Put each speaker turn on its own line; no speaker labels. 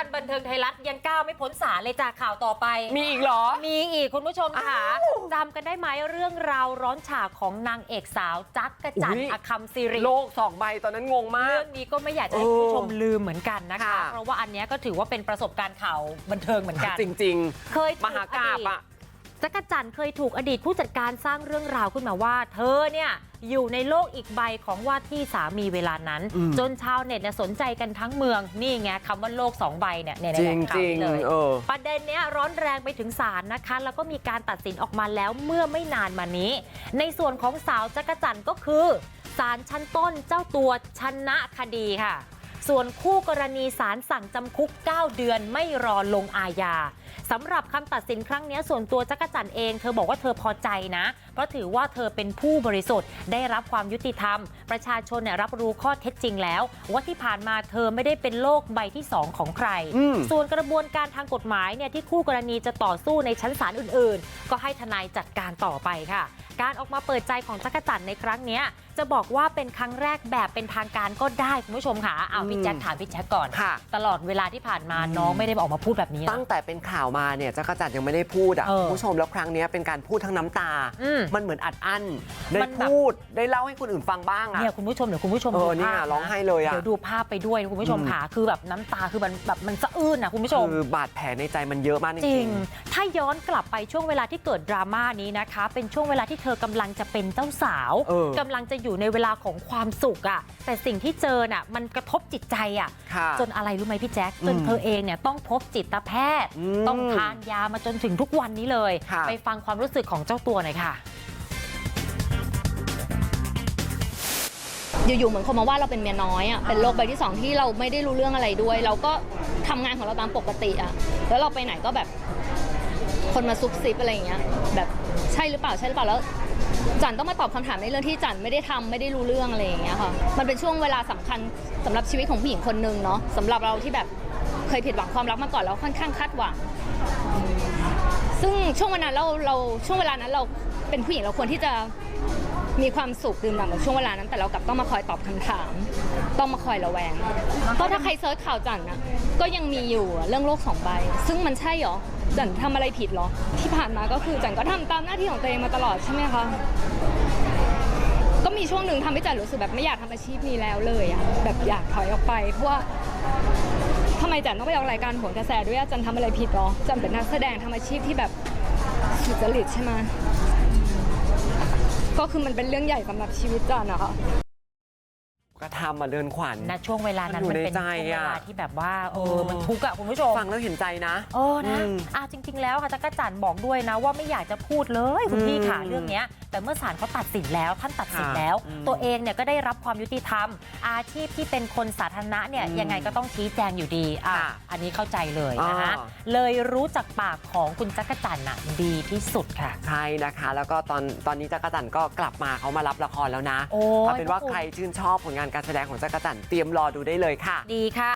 วันบันเทิงไทยรัฐยังก้าวไม่พ้นศาลเลยจากข่าวต่อไป
มีอีกเหรอ
มีอีกคุณผู้ชมค่ะจำกันได้ไหมเรื่องราวร้อนฉากของนางเอกสาวจักรจันทร์อคัมซิริ
โลก2 ใบตอนนั้นงงมาก
เรื่องนี้ก็ไม่อยากจะให้คุณผู้ชมลืมเหมือนกันนะคะเพราะว่าอันนี้ก็ถือว่าเป็นประสบการณ์ข่าวบันเทิงเหมือนกัน
จริง
ๆเคย
มหากาพย์อะ
จักรจันทร์เคยถูกอดีตผู้จัดการสร้างเรื่องราวขึ้นมาว่าเธอเนี่ยอยู่ในโลกอีกใบของว่าที่สามีเวลานั้นจนชาวเน็ตสนใจกันทั้งเมืองนี่ไงคำว่าโลก2 ใบเนี่ยในข่าวนี้เลยประเด็นเนี้ยร้อนแรงไปถึงศาลนะคะแล้วก็มีการตัดสินออกมาแล้วเมื่อไม่นานมานี้ในส่วนของสาวจักรจันทร์ก็คือศาลชั้นต้นเจ้าตัวชนะคดีค่ะส่วนคู่กรณีศาลสั่งจำคุก9 เดือนไม่รอลงอาญาสำหรับคำตัดสินครั้งนี้ส่วนตัวจักรจันทร์เองเธอบอกว่าเธอพอใจนะเพราะถือว่าเธอเป็นผู้บริสุทธิ์ได้รับความยุติธรรมประชาชนรับรู้ข้อเท็จจริงแล้วว่าที่ผ่านมาเธอไม่ได้เป็นโลกใบที่2ของใครส่วนกระบวนการทางกฎหมายเนี่ยที่คู่กรณีจะต่อสู้ในชั้นศาลอื่นๆก็ให้ทนายจัดการต่อไปค่ะการออกมาเปิดใจของจักรจันทร์ในครั้งนี้จะบอกว่าเป็นครั้งแรกแบบเป็นทางการก็ได้คุณผู้ชมค่ะเอาพี่แจ็คถามพี่แจ็คก่อนตลอดเวลาที่ผ่านมาน้องไม่ได้ออกมาพูดแบบนี้
ตั้งแต่เป็นข่าวมาเนี่ยจักรจันทร์ยังไม่ได้พูดอ่ะคุณผู้ชมแล้วครั้งนี้เป็นการพูดทั้งน้ำตามันเหมือนอัดอั้นได้พูดได้เล่าให้คนอื่นฟังบ้างอ่ะ
เนี่ยคุณผู้ชมเดี๋ยวคุณผู้ชมดูภาพ
ร้องไห้เลยอ่ะ
เดี๋ยวดูภาพไปด้วยคุณผู้ชมค่ะคือแบบน้ำตาคือมันสะอื้นนะคุณผู้ชม
คือบาดแผลในใจมันเยอะมากจริง
ถ้าย้อนกลับไปช่วงเวลาที่เกิดดราม่านี้นะคะเป็นช่วงเวลาที่เธอกำลังจะเป็นเจ้าสาวกำลังจะอยู่ในเวลาของความสุขอ่ะแต่สิ่งที่เจอน่ะมันกระทบจิตใจอ่ะจนอะไรรู้ไหมพี่แจ๊คจนเธอเองเนี่ยต้องพบจิตแพทย์ต้องทานยามาจนถึงทุกวันนี้เลยไปฟังความรู้สึกของเจ้าตัวหน่อยค่ะ
อยู่ๆเหมือนคนมาว่าเราเป็นเมียน้อยอ่ะเป็นโรคใบที่2ที่เราไม่ได้รู้เรื่องอะไรด้วยเราก็ทำงานของเราตามปกติอ่ะแล้วเราไปไหนก็แบบคนมาซุบซิบอะไรอย่างเงี้ยแบบใช่หรือเปล่าแล้วจันต้องมาตอบคำถามในเรื่องที่จันไม่ได้ทำไม่ได้รู้เรื่องอะไรอย่างเงี้ยค่ะมันเป็นช่วงเวลาสำคัญสำหรับชีวิตของผู้หญิงคนนึงเนาะสำหรับเราที่แบบเคยผิดหวังความรักมาก่อนแล้วค่อนข้างคาดหวังซึ่งช่วงเวลานั้นเราเป็นผู้หญิงเราควรที่จะมีความสุขดื่มด่ำกับช่วงเวลานั้นแต่เรากลับต้องมาคอยตอบคำถามต้องมาคอยระแวงก็ถ้าใครเซิร์ชข่าวจันนะก็ยังมีอยู่เรื่องโลก2 ใบซึ่งมันใช่หรอจันทำอะไรผิดหรอที่ผ่านมาก็คือจันก็ทำตามหน้าที่ของตัวเองมาตลอดใช่ไหมคะก็มีช่วงหนึ่งทำให้จันรู้สึกแบบไม่อยากทำอาชีพนี้แล้วเลยอะแบบอยากถอยออกไปเพราะว่าทำไมจันต้องไปออกรายการโหนกระแสด้วยจันทำอะไรผิดหรอจันเป็นนักแสดงทำอาชีพที่แบบสุจริตใช่ไหมก็คือมันเป็นเรื่องใหญ่สำหรับชีวิตจันนะคะ
ก็ทำมาเดินขวัญ
ช่วงเวลานั้นมันเป็นช่วงเวลาที่แบบว่ามันทุกข์อะคุณผู้ชม
ฟังแล้วเห็นใจนะ
นะจริงๆแล้วค่ะจักรจันทร์บอกด้วยนะว่าไม่อยากจะพูดเลยคุณพี่ค่ะเรื่องนี้แต่เมื่อศาลเขาตัดสินแล้วท่านตัดสินแล้วตัวเองเนี่ยก็ได้รับความยุติธรรมอาชีพที่เป็นคนสาธารณะเนี่ยยังไงก็ต้องชี้แจงอยู่ดีอันนี้เข้าใจเลยนะคะเลยรู้จักปากของคุณจักรจันทร์ดีที่สุดค่ะ
ใช่นะคะแล้วก็ตอนนี้จักรจันทร์ก็กลับมาเขามารับละครแล้วนะเอาเป็นว่าใครชื่นชอบผลงานการแสดงของจักรจันทร์เตรียมรอดูได้เลยค่ะ
ดีค่ะ